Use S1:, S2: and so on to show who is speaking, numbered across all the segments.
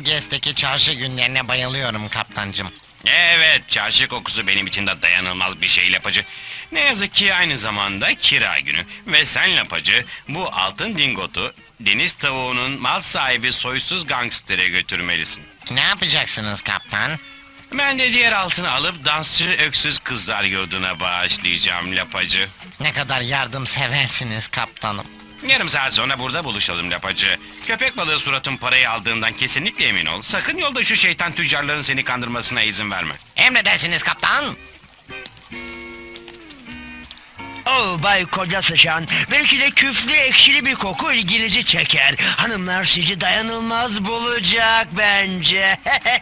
S1: Alges'teki çarşı günlerine bayılıyorum kaptancım.
S2: Evet, çarşı kokusu benim için de dayanılmaz bir şey Lapacı. Ne yazık ki aynı zamanda kira günü. Ve sen Lapacı, bu altın dingotu deniz tavuğunun mal sahibi soysuz gangstere götürmelisin.
S1: Ne yapacaksınız kaptan?
S2: Ben de diğer altını alıp dansçı öksüz kızlar yurduna bağışlayacağım Lapacı.
S1: Ne kadar yardımseversiniz kaptanım.
S2: Yarım saat sonra burada buluşalım Lapacı. Köpek balığı suratın parayı aldığından kesinlikle emin ol. Sakın yolda şu şeytan tüccarların seni kandırmasına izin verme.
S1: Emredersiniz kaptan.
S3: Oh Bay Koca Sıçan, belki de küflü ekşili bir koku ilginizi çeker. Hanımlar sizi dayanılmaz bulacak bence.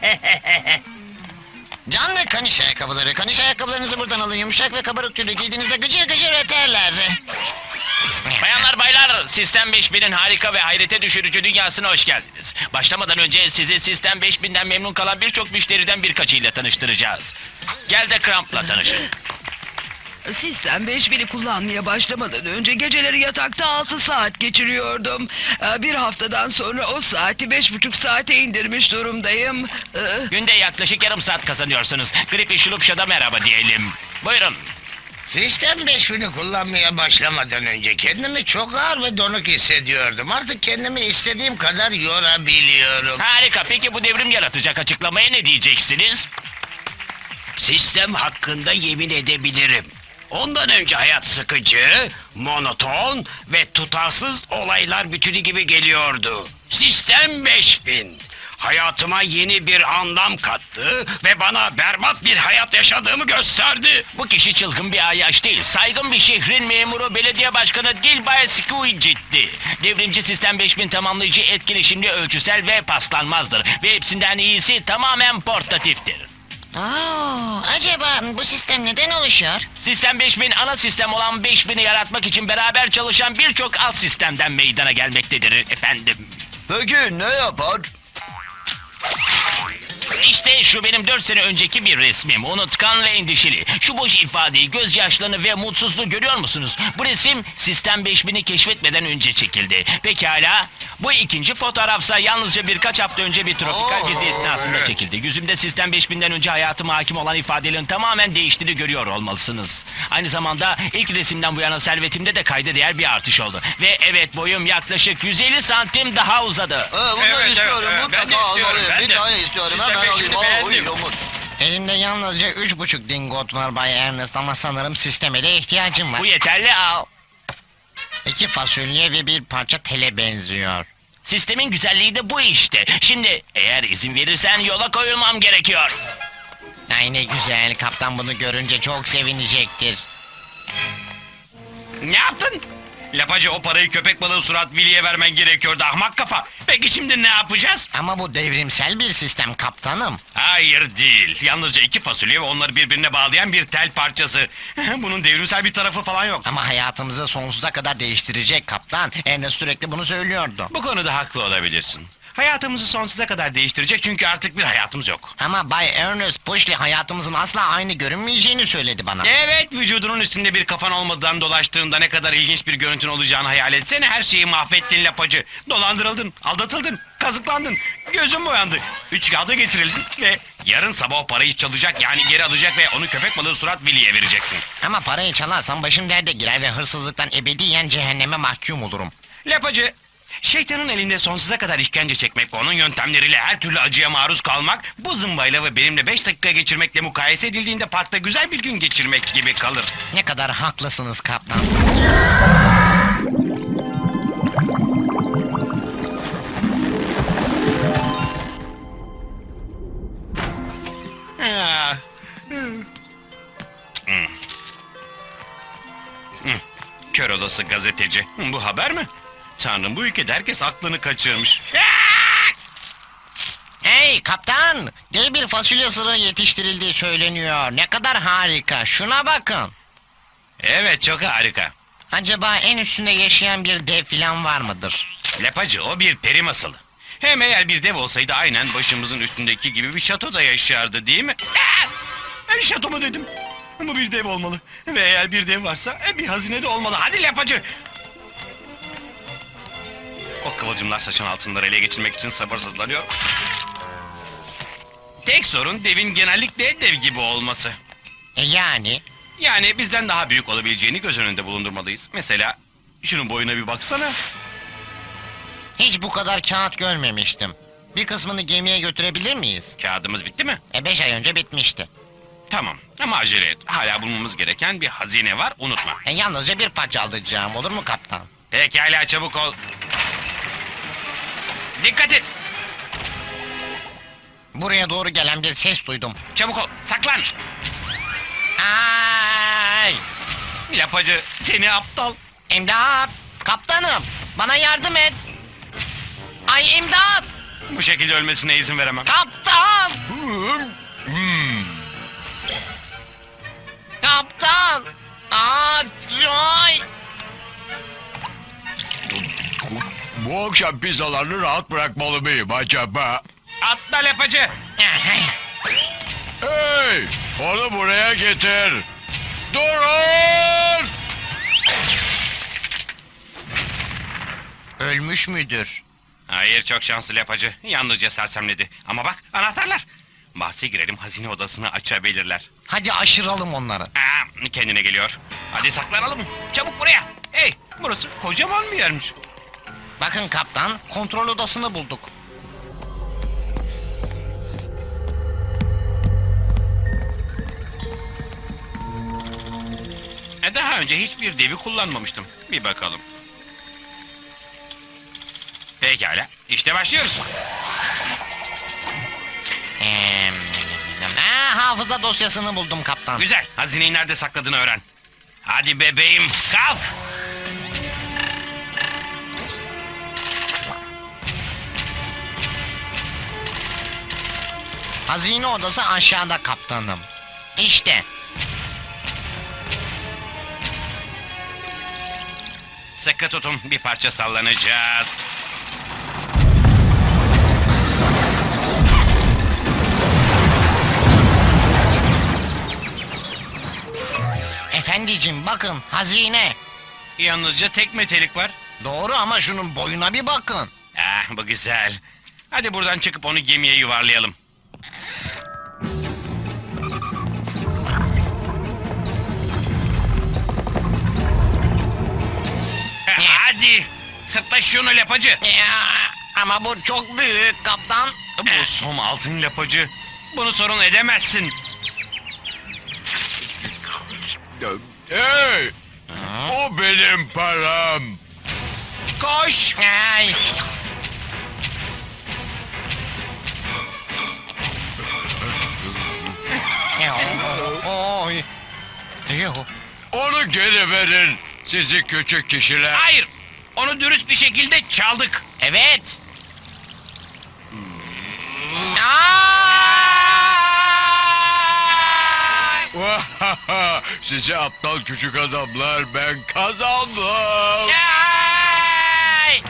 S1: Canlı kaniş ayakkabıları. Kaniş ayakkabılarınızı buradan alın. Yumuşak ve kabarık tüylü giydiğinizde gıcır gıcır öterler.
S4: Bayanlar baylar, Sistem 5000'in harika ve hayrete düşürücü dünyasına hoş geldiniz. Başlamadan önce sizi Sistem 5000'den memnun kalan birçok müşteriden birkaçıyla tanıştıracağız. Gel de Cramp'la tanışın.
S5: Sistem 5000'i kullanmaya başlamadan önce geceleri yatakta 6 saat geçiriyordum. Bir haftadan sonra o saati 5,5 saate indirmiş durumdayım.
S4: Günde yaklaşık yarım saat kazanıyorsunuz. Gripi Şulupşa'da merhaba diyelim. Buyurun.
S6: Sistem 5000'i kullanmaya başlamadan önce kendimi çok ağır ve donuk hissediyordum. Artık kendimi istediğim kadar yorabiliyorum.
S4: Harika, peki bu devrim yaratacak açıklamaya ne diyeceksiniz?
S3: Sistem hakkında yemin edebilirim. Ondan önce hayat sıkıcı, monoton ve tutarsız olaylar bütünü gibi geliyordu. Sistem 5000. Hayatıma yeni bir anlam kattı ve bana berbat bir hayat yaşadığımı gösterdi.
S4: Bu kişi çılgın bir ayyaş değil. Saygın bir şehrin memuru belediye başkanı Gilbert Squidget'ti. Devrimci Sistem 5000 tamamlayıcı, etkileşimli, ölçüsel ve paslanmazdır. Ve hepsinden iyisi tamamen portatiftir.
S1: Acaba bu sistem neden oluşuyor?
S4: Sistem 5000 ana sistem olan 5000'i yaratmak için beraber çalışan birçok alt sistemden meydana gelmektedir efendim.
S3: Peki ne yapar?
S4: İşte şu benim 4 sene önceki bir resmim. Unutkan ve endişeli. Şu boş ifadeyi, gözyaşlarını ve mutsuzluğu görüyor musunuz? Bu resim Sistem 5000'i keşfetmeden önce çekildi. Pekala. Bu ikinci fotoğrafsa yalnızca birkaç hafta önce bir tropikal gezi esnasında çekildi. Yüzümde Sistem 5000'den önce hayatıma hakim olan ifadelerin tamamen değiştiğini görüyor olmalısınız. Aynı zamanda ilk resimden bu yana servetimde de kayda değer bir artış oldu. Ve evet, boyum yaklaşık 150 santim daha uzadı.
S3: Bunları istiyorum,
S2: ben de
S3: mutlaka
S2: istiyorum,
S3: almalıyım.
S2: ben
S3: Bir
S2: de.
S3: tane istiyorum,
S2: Sistem
S3: hemen
S2: 5000'i
S3: alayım.
S2: beğendim.
S3: Yumur.
S1: Elimde yalnızca 3,5 dingot var Bay Ernest ama sanırım sisteme de ihtiyacım var.
S4: Bu yeterli, al.
S1: 2 fasulye ve bir parça tele benziyor.
S4: Sistemin güzelliği de bu işte. Şimdi eğer izin verirsen yola koyulmam gerekiyor.
S1: Ay ne güzel, kaptan bunu görünce çok sevinecektir.
S2: Ne yaptın? Lapacı, o parayı köpek balığı surat Willy'e vermen gerekiyordu ahmak kafa. Peki şimdi ne yapacağız?
S1: Ama bu devrimsel bir sistem kaptanım.
S2: Hayır değil. Yalnızca 2 fasulye ve onları birbirine bağlayan bir tel parçası. Bunun devrimsel bir tarafı falan yok.
S1: Ama hayatımızı sonsuza kadar değiştirecek kaptan. Ernest sürekli bunu söylüyordu.
S2: Bu konuda haklı olabilirsin. Hayatımızı sonsuza kadar değiştirecek çünkü artık bir hayatımız yok.
S1: Ama Bay Ernest Pushley hayatımızın asla aynı görünmeyeceğini söyledi bana.
S2: Evet, vücudunun üstünde bir kafan olmadan dolaştığında ne kadar ilginç bir görüntün olacağını hayal etsene. Her şeyi mahvettin Lapacı. Dolandırıldın, aldatıldın, kazıklandın, gözün boyandı. 3 kağıda getirildin ve yarın sabah o parayı çalacak, yani geri alacak ve onu köpek balığı surat Willy'e vereceksin.
S1: Ama parayı çalarsam başım derde girer ve hırsızlıktan ebediyen cehenneme mahkum olurum.
S2: Lapacı, şeytanın elinde sonsuza kadar işkence çekmek ve onun yöntemleriyle her türlü acıya maruz kalmak, bu zımbayla ve benimle 5 dakika geçirmekle mukayese edildiğinde parkta güzel bir gün geçirmek gibi kalır.
S1: Ne kadar haklısınız kaptan.
S2: Ah. Kör olası gazeteci. Bu haber mi? Tanrım, bu ülkede herkes aklını kaçırmış.
S1: Hey kaptan! Dev bir fasulye sırığı yetiştirildiği söyleniyor. Ne kadar harika. Şuna bakın.
S2: Evet, çok harika.
S1: Acaba en üstünde yaşayan bir dev filan var mıdır?
S2: Lapacı, o bir peri masalı. Hem eğer bir dev olsaydı aynen başımızın üstündeki gibi bir şatoda yaşardı, değil mi? Şato mu dedim? Bu bir dev olmalı. Ve eğer bir dev varsa bir hazine de olmalı. Hadi Lapacı! O kıvılcımlar saçın altınları ele geçirmek için sabırsızlanıyor. Tek sorun devin genellikle dev gibi olması.
S1: Yani?
S2: Yani bizden daha büyük olabileceğini göz önünde bulundurmalıyız. Mesela şunun boyuna bir baksana.
S1: Hiç bu kadar kağıt görmemiştim. Bir kısmını gemiye götürebilir miyiz?
S2: Kağıdımız bitti mi?
S1: 5 ay önce bitmişti.
S2: Tamam ama acele et. Hala bulmamız gereken bir hazine var, unutma.
S1: Yalnızca bir parça alacağım, olur mu kaptan?
S2: Pekala, çabuk ol. Dikkat et.
S1: Buraya doğru gelen bir ses duydum.
S2: Çabuk ol. Saklan.
S1: Ay!
S2: Lapacı, seni aptal.
S1: İmdat! Kaptanım! Bana yardım et! Ay imdat!
S2: Bu şekilde ölmesine izin veremem.
S1: Kaptan! Kaptan! Ay!
S7: Bu akşam pizzalarını rahat bırakmalı mıyım acaba?
S2: Atla lapacı.
S7: Hey! Onu buraya getir! Durun!
S1: Ölmüş müdür?
S2: Hayır, çok şanslı lapacı. Yalnızca sersemledi. Ama bak, anahtarlar. Bahse girelim, hazine odasını açabilirler.
S1: Hadi aşıralım onları.
S2: Kendine geliyor. Hadi saklanalım. Çabuk buraya. Hey, burası kocaman bir yermiş.
S1: Bakın kaptan, kontrol odasını bulduk.
S2: Daha önce hiçbir devi kullanmamıştım. Bir bakalım. Pekala, işte başlıyoruz.
S1: Ee, hafıza dosyasını buldum kaptan.
S2: Güzel, hazineyi nerede sakladığını öğren. Hadi bebeğim, kalk.
S1: Hazine odası aşağıda kaptanım. İşte.
S2: Sıkı tutun, bir parça sallanacağız.
S1: Efendicim bakın, hazine.
S2: Yalnızca tek metelik var.
S1: Doğru ama şunun boyuna bir bakın.
S2: Bu güzel. Hadi buradan çıkıp onu gemiye yuvarlayalım. Hadi. Sırtla şunu lapacı.
S1: Ama bu çok büyük kaptan.
S2: Bu som altın lapacı. Bunu sorun edemezsin.
S7: Hey! O benim param!
S2: Koş.
S1: Ay. Oy. Yuh.
S7: Onu geri verin, sizi küçük kişiler!
S2: Hayır. Onu dürüst bir şekilde çaldık.
S1: Evet. Ay!
S7: Sizi aptal küçük adamlar, ben kazandım!
S1: Ay!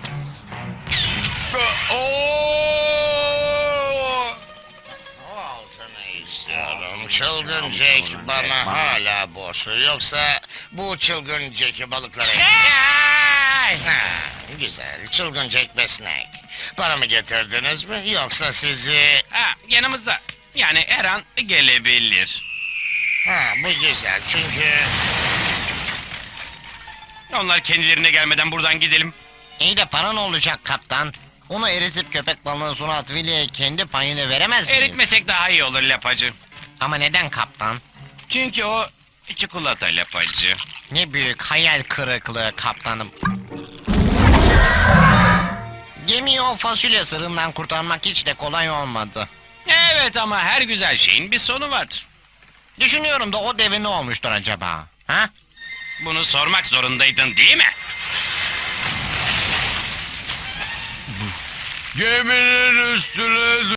S7: Oo!
S6: Altını istiyorum. Çılgın Jack bana hala borçlu. Yoksa bu çılgın Jack'i balıklara...
S1: Ay!
S6: Ha, güzel. Çılgın Jack ve Snake. Paramı getirdiniz mi? Yoksa sizi...
S2: Yanımızda. Yani her an gelebilir.
S6: Ha, bu güzel çünkü...
S2: Onlar kendilerine gelmeden buradan gidelim.
S1: İyi de para ne olacak kaptan? Onu eritip köpek balığına Surat Willy'e kendi payını veremez miyiz?
S2: Eritmesek daha iyi olur lapacı.
S1: Ama neden kaptan?
S2: Çünkü o çikolata lapacı.
S1: Ne büyük hayal kırıklığı kaptanım. Gemiyi o fasulye sırrından kurtarmak hiç de kolay olmadı.
S2: Evet ama her güzel şeyin bir sonu var.
S1: Düşünüyorum da o deve ne olmuştur acaba? Ha?
S2: Bunu sormak zorundaydın değil mi?
S7: Geminin üstüne